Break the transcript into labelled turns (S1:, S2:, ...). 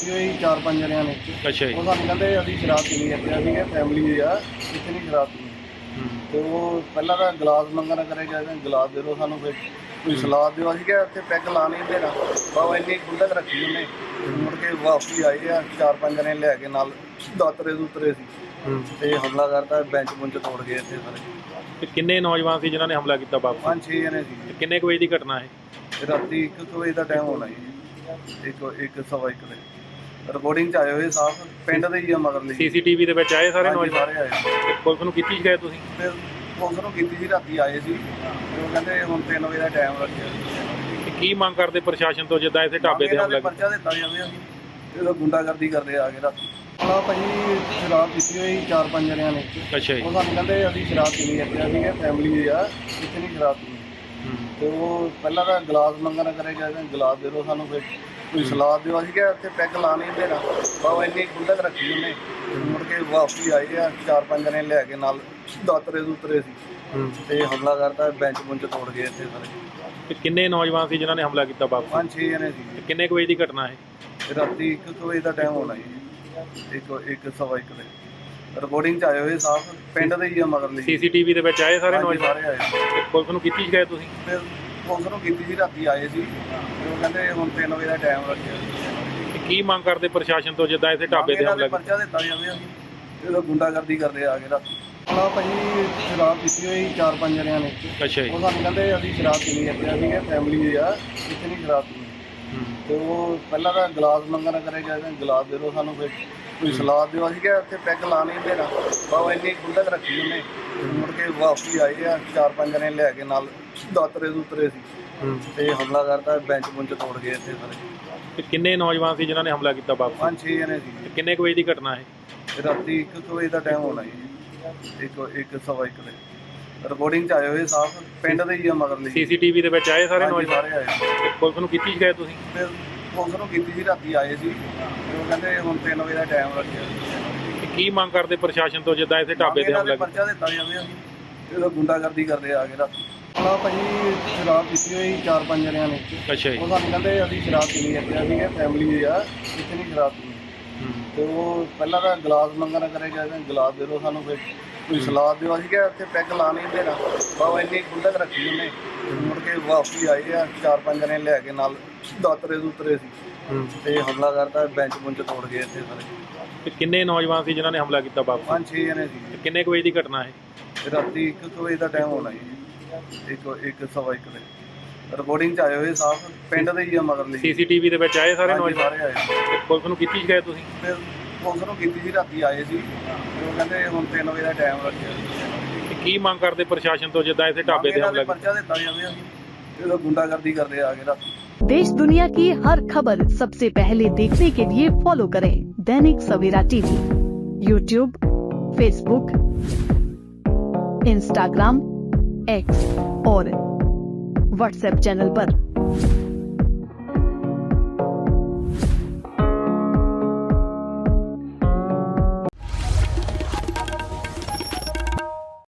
S1: ਪੀਤੀ ਹੋਈ 4-5 ਜਣਿਆਂ ਨੇ।
S2: ਅੱਛਾ ਜੀ।
S1: ਉਹ ਸਾਨੂੰ ਕਹਿੰਦੇ ਅਸੀਂ ਸ਼ਰਾਬ ਪੀਣੀ ਹੈ ਤੇ ਅਸੀਂ ਕਿਹਾ ਫੈਮਿਲੀ ਆ ਇੱਥੇ ਨਹੀਂ ਸ਼ਰਾਬ ਪੀਣੀ। ਤੇ ਉਹ ਪਹਿਲਾਂ ਤਾਂ ਗਲਾਸ ਮੰਗਣਾ ਕਰੇ ਕਹਿੰਦੇ ਗਲਾਸ ਦੇ ਦਿਓ ਸਾਨੂੰ, ਫਿਰ ਕੋਈ ਸਲਾਦ ਦਿਓ। ਅਸੀਂ ਕਿਹਾ ਇੱਥੇ ਪੈਗ ਲਾ ਨਹੀਂ ਦੇਣਾ, ਬਾਬਾ ਇੰਨੀ ਖੁੰਦਕ ਰੱਖੀ ਉਹਨੇ। ਮੁੜ ਕੇ ਵਾਪਸੀ ਆਏ ਆ 4-5 ਜਣੇ ਲੈ ਕੇ ਨਾਲ ਦਾਤਰੇ ਦੂਤਰੇ ਸੀ ਤੇ ਹਮਲਾ ਕਰਤਾ, ਬੈਂਚ ਬੁੰਚ ਤੋੜ ਗਏ ਇੱਥੇ ਸਾਰੇ।
S2: ਤੇ ਕਿੰਨੇ ਨੌਜਵਾਨ ਸੀ ਜਿਨ੍ਹਾਂ ਨੇ ਹਮਲਾ ਕੀਤਾ ਬਾਪੂ?
S1: 5-6 ਜਣੇ ਸੀ।
S2: ਤੇ ਕਿੰਨੇ ਕੁ ਵਜੇ ਦੀ ਘਟਨਾ ਹੈ?
S1: ਰਾਤੀ 1 ਵਜੇ ਦਾ ਟਾਈਮ ਹੋਣਾ ਜੀ, 1-1:15 ਦੇ। ਰਿਪੋਰਟਿੰਗ ਚ ਆਏ ਹੋਏ ਸਾਫ ਪਿੰਡ ਦੇ ਹੀ ਆ ਮਗਰ ਲਈ।
S2: ਸੀਸੀਟੀਵੀ ਦੇ ਵਿੱਚ ਆਏ ਸਾਰੇ ਨੌਜਵਾਨ?
S1: ਸਾਰੇ ਆਏ।
S2: ਤੇ ਪੁਲਿਸ ਨੂੰ ਕੀਤੀ ਸ਼ਿਕਾਇਤ ਤੁਸੀਂ?
S1: ਫਿਰ ਪੁਲਿਸ ਨੂੰ ਕੀਤੀ ਸੀ, ਰਾਤੀ ਆਏ ਸੀ ਤੇ ਉਹ ਕਹਿੰਦੇ ਹੁਣ 3 ਵਜੇ ਦਾ ਟਾਈਮ ਰੱਖਿਆ।
S2: ਤੇ ਕੀ ਮੰਗ ਕਰਦੇ ਪ੍ਰਸ਼ਾਸਨ ਤੋਂ ਜਿੱਦਾਂ ਇੱਥੇ ਢਾਬੇ ਤੇ ਹਮਲਾ ਕੀਤਾ?
S1: ਪਰਚਾ ਦਿੱਤਾ ਜਾਵੇ। ਅਸੀਂ ਜਦੋਂ ਗੁੰਡਾਗਰਦੀ ਕਰਦੇ ਆ ਕੇ ਰਾਤੀ ਹਾਂ ਭਾਜੀ ਸ਼ਰਾਬ ਪੀਤੀ ਹੋਈ 4-5 ਜਣਿਆਂ ਨੇ।
S2: ਅੱਛਾ ਜੀ।
S1: ਉਹ ਸਾਨੂੰ ਕਹਿੰਦੇ ਅਸੀਂ ਸ਼ਰਾਬ ਪੀਣੀ ਹੈ ਤੇ ਅਸੀਂ ਕਿਹਾ ਫੈਮਿਲੀ ਆ ਇੱਥੇ ਨਹੀਂ ਸ਼ਰਾਬ ਪੀਣੀ। ਤੇ ਉਹ ਪਹਿਲਾਂ ਤਾਂ ਗਲਾਸ ਮੰਗਣਾ ਕਰੇ ਕਹਿੰਦੇ ਗਲਾਸ ਦੇ ਦਿਓ ਸਾਨੂੰ, ਫਿਰ ਕੋਈ ਸਲਾਦ ਦਿਓ। ਅਸੀਂ ਕਿਹਾ ਇੱਥੇ ਪੈਗ ਲਾ ਨਹੀਂ ਦੇਣਾ, ਬਾਬਾ ਇੰਨੀ ਖੁੰਦਕ ਰੱਖੀ ਉਹਨੇ। ਮੁੜ ਕੇ ਵਾਪਸੀ ਆਏ ਆ 4-5 ਜਣੇ ਲੈ ਕੇ ਨਾਲ ਦਾਤਰੇ ਦੂਤਰੇ ਸੀ ਤੇ ਹਮਲਾ ਕਰਤਾ, ਬੈਂਚ ਬੁੰਚ ਤੋੜ ਗਏ ਇੱਥੇ ਸਾਰੇ।
S2: ਤੇ ਕਿੰਨੇ ਨੌਜਵਾਨ ਸੀ ਜਿਨ੍ਹਾਂ ਨੇ ਹਮਲਾ ਕੀਤਾ ਬਾਪੂ?
S1: 5-6 ਜਣੇ ਸੀ।
S2: ਤੇ ਕਿੰਨੇ ਕੁ ਵਜੇ ਦੀ ਘਟਨਾ ਹੈ?
S1: ਰਾਤੀ 1 ਵਜੇ ਦਾ ਟਾਈਮ ਹੋਣਾ ਜੀ, 1-1:15 ਦੇ। ਰਿਪੋਰਟਿੰਗ ਚ ਆਏ ਹੋਏ ਸਾਫ ਪਿੰਡ ਦੇ ਹੀ ਆ ਮਗਰ ਲਈ।
S2: ਸੀਸੀਟੀਵੀ ਦੇ ਵਿੱਚ ਆਏ ਸਾਰੇ ਨੌਜਵਾਨ?
S1: ਸਾਰੇ ਆਏ।
S2: ਤੇ ਪੁਲਿਸ ਨੂੰ ਕੀਤੀ ਸ਼ਿਕਾਇਤ ਤੁਸੀਂ?
S1: ਫਿਰ ਪੁਲਿਸ ਨੂੰ ਕੀਤੀ ਸੀ, ਰਾਤੀ ਆਏ ਸੀ ਤੇ ਉਹ ਕਹਿੰਦੇ ਹੁਣ 3 ਵਜੇ ਦਾ ਟਾਈਮ ਰੱਖਿਆ।
S2: ਤੇ ਕੀ ਮੰਗ ਕਰਦੇ ਪ੍ਰਸ਼ਾਸਨ ਤੋਂ ਜਿੱਦਾਂ ਇੱਥੇ ਢਾਬੇ ਤੇ ਹਮਲਾ ਕੀਤਾ?
S1: ਪਰਚਾ ਦਿੱਤਾ ਜਾਵੇ। ਅਸੀਂ ਜਦੋਂ ਗੁੰਡਾਗਰਦੀ ਕਰਦੇ ਆ ਕੇ ਰਾਤੀ ਹਾਂ ਭਾਜੀ ਸ਼ਰਾਬ ਪੀਤੀ ਹੋਈ 4-5 ਜਣਿਆਂ ਨੇ।
S2: ਅੱਛਾ ਜੀ।
S1: ਉਹ ਸਾਨੂੰ ਕਹਿੰਦੇ ਅਸੀਂ ਸ਼ਰਾਬ ਪੀਣੀ ਹੈ ਤੇ ਅਸੀਂ ਕਿਹਾ ਫੈਮਿਲੀ ਆ ਇੱਥੇ ਨਹੀਂ ਸ਼ਰਾਬ ਪੀਣੀ। ਤੇ ਉਹ ਪਹਿਲਾਂ ਤਾਂ ਗਲਾਸ ਮੰਗਣਾ ਕਰੇ ਕਹਿੰਦੇ ਗਲਾਸ ਦੇ ਦਿਓ ਸਾਨੂੰ, ਫਿਰ ਕੋਈ ਸਲਾਦ ਦਿਓ। ਅਸੀਂ ਕਿਹਾ ਇੱਥੇ ਪੈਗ ਲਾ ਨਹੀਂ ਦੇਣਾ, ਬਾਬਾ ਇੰਨੀ ਖੁੰਦਕ ਰੱਖੀ ਉਹਨੇ। ਮੁੜ ਕੇ ਵਾਪਸੀ ਆਏ ਆ 4-5 ਜਣੇ ਲੈ ਕੇ ਨਾਲ ਦਾਤਰੇ ਦੂਤਰੇ ਸੀ ਤੇ ਹਮਲਾ ਕਰਤਾ, ਬੈਂਚ ਬੁੰਚ ਤੋੜ ਗਏ ਇੱਥੇ ਸਾਰੇ।
S2: ਤੇ ਕਿੰਨੇ ਨੌਜਵਾਨ ਸੀ ਜਿਨ੍ਹਾਂ ਨੇ ਹਮਲਾ ਕੀਤਾ ਬਾਪੂ?
S1: 5-6 ਜਣੇ ਸੀ।
S2: ਤੇ ਕਿੰਨੇ ਕੁ ਵਜੇ ਦੀ ਘਟਨਾ ਹੈ?
S1: ਰਾਤੀ 1 ਵਜੇ ਦਾ ਟਾਈਮ ਹੋਣਾ ਜੀ, 1-1:15 ਦੇ। ਰਿਪੋਰਟਿੰਗ ਚ ਆਏ ਹੋਏ ਸਾਫ ਪਿੰਡ ਦੇ ਹੀ ਆ ਮਗਰ ਲਈ।
S2: ਸੀਸੀਟੀਵੀ ਦੇ ਵਿੱਚ ਆਏ ਸਾਰੇ ਨੌਜਵਾਨ?
S1: ਸਾਰੇ ਆਏ।
S2: ਤੇ ਪੁਲਿਸ ਨੂੰ ਕੀਤੀ ਸ਼ਿਕਾਇਤ ਤੁਸੀਂ?
S1: ਫਿਰ ਪੁਲਿਸ ਨੂੰ ਕੀਤੀ ਸੀ, ਰਾਤੀ ਆਏ ਸੀ ਤੇ ਉਹ ਕਹਿੰਦੇ ਹੁਣ 3 ਵਜੇ ਦਾ ਟਾਈਮ ਰੱਖਿਆ।
S2: ਤੇ ਕੀ ਮੰਗ ਕਰਦੇ ਪ੍ਰਸ਼ਾਸਨ ਤੋਂ ਜਿੱਦਾਂ ਇੱਥੇ ਢਾਬੇ ਤੇ ਹਮਲਾ ਕੀਤਾ?
S1: ਪਰਚਾ ਦਿੱਤਾ ਜਾਵੇ। ਅਸੀਂ ਜਦੋਂ ਗੁੰਡਾਗਰਦੀ ਕਰਦੇ ਆ ਕੇ ਰਾਤੀ ਹਾਂ ਭਾਜੀ ਸ਼ਰਾਬ ਪੀਤੀ ਹੋਈ 4-5 ਜਣਿਆਂ ਨੇ।
S2: ਅੱਛਾ ਜੀ।
S1: ਉਹ ਸਾਨੂੰ ਕਹਿੰਦੇ ਅਸੀਂ ਸ਼ਰਾਬ ਪੀਣੀ ਹੈ ਤੇ ਅਸੀਂ ਕਿਹਾ ਫੈਮਿਲੀ ਆ ਇੱਥੇ ਨਹੀਂ ਸ਼ਰਾਬ ਪੀਣੀ। ਤੇ ਉਹ ਪਹਿਲਾਂ ਤਾਂ ਗਲਾਸ ਮੰਗਣਾ ਕਰੇ ਕਹਿੰਦੇ ਗਲਾਸ ਦੇ ਦਿਓ ਸਾਨੂੰ, ਫਿਰ ਕੋਈ ਸਲਾਦ ਦਿਓ। ਅਸੀਂ ਕਿਹਾ ਇੱਥੇ ਪੈਗ ਲਾ ਨਹੀਂ ਦੇਣਾ, ਬਾਬਾ ਇੰਨੀ ਖੁੰਦਕ ਰੱਖੀ ਉਹਨੇ। ਮੁੜ ਕੇ ਵਾਪਸੀ ਆਏ ਆ 4-5 ਜਣੇ ਲੈ ਕੇ ਨਾਲ ਦਾਤਰੇ ਦੂਤਰੇ ਸੀ ਤੇ ਹਮਲਾ ਕਰਤਾ, ਬੈਂਚ ਬੁੰਚ ਤੋੜ ਗਏ ਇੱਥੇ ਸਾਰੇ।
S2: ਤੇ ਕਿੰਨੇ ਨੌਜਵਾਨ ਸੀ ਜਿਨ੍ਹਾਂ ਨੇ ਹਮਲਾ ਕੀਤਾ ਬਾਪੂ?
S1: 5-6 ਜਣੇ ਸੀ।
S2: ਤੇ ਕਿੰਨੇ ਕੁ ਵਜੇ ਦੀ ਘਟਨਾ ਹੈ?
S1: ਰਾਤੀ 1 ਵਜੇ ਦਾ ਟਾਈਮ ਹੋਣਾ ਜੀ, 1-1:15 ਦੇ। ਰਿਪੋਰਟਿੰਗ ਚ ਆਏ ਹੋਏ ਸਾਫ ਪਿੰਡ ਦੇ ਹੀ ਆ ਮਗਰ ਲਈ।
S2: ਸੀਸੀਟੀਵੀ ਦੇ ਵਿੱਚ ਆਏ ਸਾਰੇ ਨੌਜਵਾਨ?
S1: ਸਾਰੇ ਆਏ।
S2: ਤੇ ਪੁਲਿਸ ਨੂੰ ਕੀਤੀ ਸ਼ਿਕਾਇਤ ਤੁਸੀਂ?
S1: ਫਿਰ ਪੁਲਿਸ ਨੂੰ ਕੀਤੀ ਸੀ, ਰਾਤੀ ਆਏ ਸੀ ਤੇ ਉਹ ਕਹਿੰਦੇ ਹੁਣ 3 ਵਜੇ ਦਾ ਟਾਈਮ ਰੱਖਿਆ।
S2: ਤੇ ਕੀ ਮੰਗ ਕਰਦੇ ਪ੍ਰਸ਼ਾਸਨ ਤੋਂ ਜਿੱਦਾਂ ਇੱਥੇ ਢਾਬੇ ਤੇ ਹਮਲਾ ਕੀਤਾ?
S1: ਪਰਚਾ ਦਿੱਤਾ ਜਾਵੇ। ਅਸੀਂ ਜਦੋਂ ਗੁੰਡਾਗਰਦੀ ਕਰਦੇ ਆ ਕੇ ਰਾਤੀ
S3: देश दुनिया की हर खबर सबसे पहले देखने के लिए फॉलो करें Dainik Savera TV, YouTube, Facebook, Instagram, X और व्हाट्सएप चैनल पर।